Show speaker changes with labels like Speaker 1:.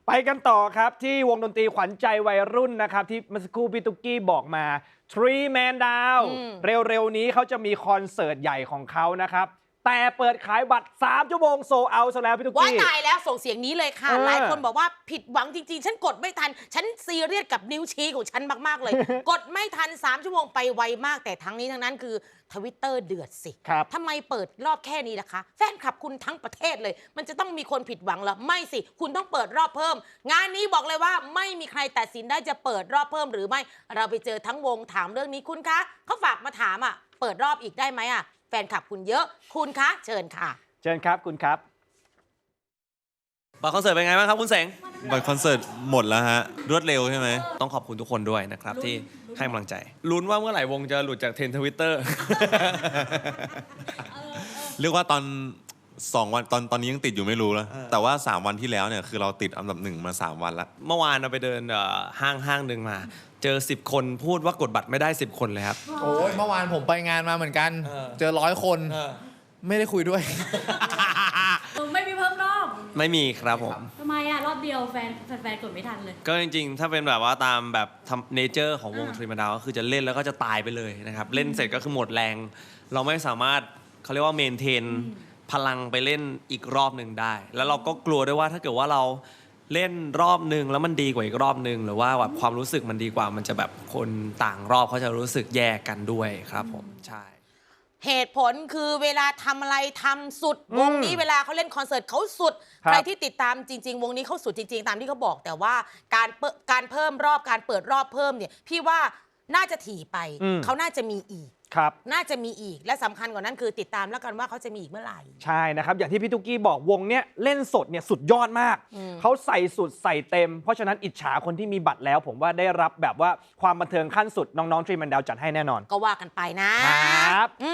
Speaker 1: ไปกันต่อครับที่วงดนตรีขวัญใจวัยรุ่นนะครับที่เมื่อสักครู่พี่ตุ๊กกี้บอกมา Three Man Down เร็วๆนี้เขาจะมีคอนเสิร์ตใหญ่ของเขานะครับแต่เปิดขายบัตร3 ชั่วโมงโซเอาซะแล้วพี่ตุ๊กกี้
Speaker 2: ว่าตายแล้วส่งเสียงนี้เลยค่ะหลายคนบอกว่าผิดหวังจริงๆฉันกดไม่ทันฉันซีเรียสกับนิ้วชี้ของฉันมากๆเลย กดไม่ทัน3 ชั่วโมงไปไวมากแต่ทั้งนี้ทั้งนั้นคือTwitter เดือดสิทำไมเปิดรอบแค่นี้ล่ะคะแฟนคลับคุณทั้งประเทศเลยมันจะต้องมีคนผิดหวังเหรอไม่สิคุณต้องเปิดรอบเพิ่มงานนี้บอกเลยว่าไม่มีใครตัดสินได้จะเปิดรอบเพิ่มหรือไม่เราไปเจอทั้งวงถามเรื่องนี้คุณคะเขาฝากมาถามเปิดรอบอีกได้ไหมแฟนคลับคุณเยอะคุณคะเชิญค่ะ
Speaker 1: เชิญครับคุณครับ
Speaker 3: บัตรคอนเสิร์ตเป็นไงบ้างครับคุณเสง
Speaker 4: บัตรคอนเสิร์ตหมดแล้วฮะรวดเร็วใช่ไหม
Speaker 3: ต้องขอบคุณทุกคนด้วยนะครับที่ให้กำลังใจลุ้นว่าเมื่อไหร่วงจะหลุดจากเทรนด์ Twitter
Speaker 4: เรียกว่าตอน2 วันตอนนี้ยังติดอยู่ไม่รู้แล้วแต่ว่า3 วันที่แล้วเนี่ยคือเราติดอันดับ1มา3 วันแล้ว
Speaker 3: เมื่อวานเราไปเดินห้างหนึ่งมาเจอ10 คนพูดว่ากดบัตรไม่ได้10 คนเลยครับ
Speaker 5: โอ้ยเมื่อวานผมไปงานมาเหมือนกันเจอ100 คนไม่ได้คุยด้วย
Speaker 6: ไม่มีเพิ่มรอบ
Speaker 3: ไม่มีครับผม
Speaker 6: ทำไมรอบเดียวแฟนกดไม่ทันเลย
Speaker 3: ก็จริงๆถ้าเป็นแบบว่าตามแบบเนเจอร์ของวงทรีมาดาวก็คือจะเล่นแล้วก็จะตายไปเลยนะครับเล่นเสร็จก็คือหมดแรงเราไม่สามารถเขาเรียกว่าเมนเทนพลังไปเล่นอีกรอบหนึ่งได้แล้วเราก็กลัวด้วยว่าถ้าเกิดว่าเราเล่นรอบหนึ่งแล้วมันดีกว่าอีกรอบหนึ่งหรือว่าแบบความรู้สึกมันดีกว่ามันจะแบบคนต่างรอบเขาจะรู้สึกแยกกันด้วยครับผมใช่
Speaker 2: เหตุผลคือเวลาทำอะไรทำสุดวงนี้เวลาเขาเล่นคอนเสิร์ตเขาสุดใครที่ติดตามจริงๆวงนี้เขาสุดจริงๆตามที่เขาบอกแต่ว่าการเพิ่มรอบการเปิดรอบเพิ่มเนี่ยพี่ว่าน่าจะถี่ไปเขาน่าจะมีอีกน่าจะมีอีกและสำคัญกว่านั้นคือติดตามแล้วกันว่าเขาจะมีอีกเมื่อไหร่
Speaker 1: ใช่นะครับอย่างที่พี่ตุ๊กกี้บอกวงเนี้ยเล่นสดเนี่ยสุดยอดมากเขาใส่สุดใส่เต็มเพราะฉะนั้นอิจฉาคนที่มีบัตรแล้วผมว่าได้รับแบบว่าความบันเทิงขั้นสุดน้องๆทรีมันดาวจัดให้แน่นอน
Speaker 2: ก็ว่ากันไปนะครับ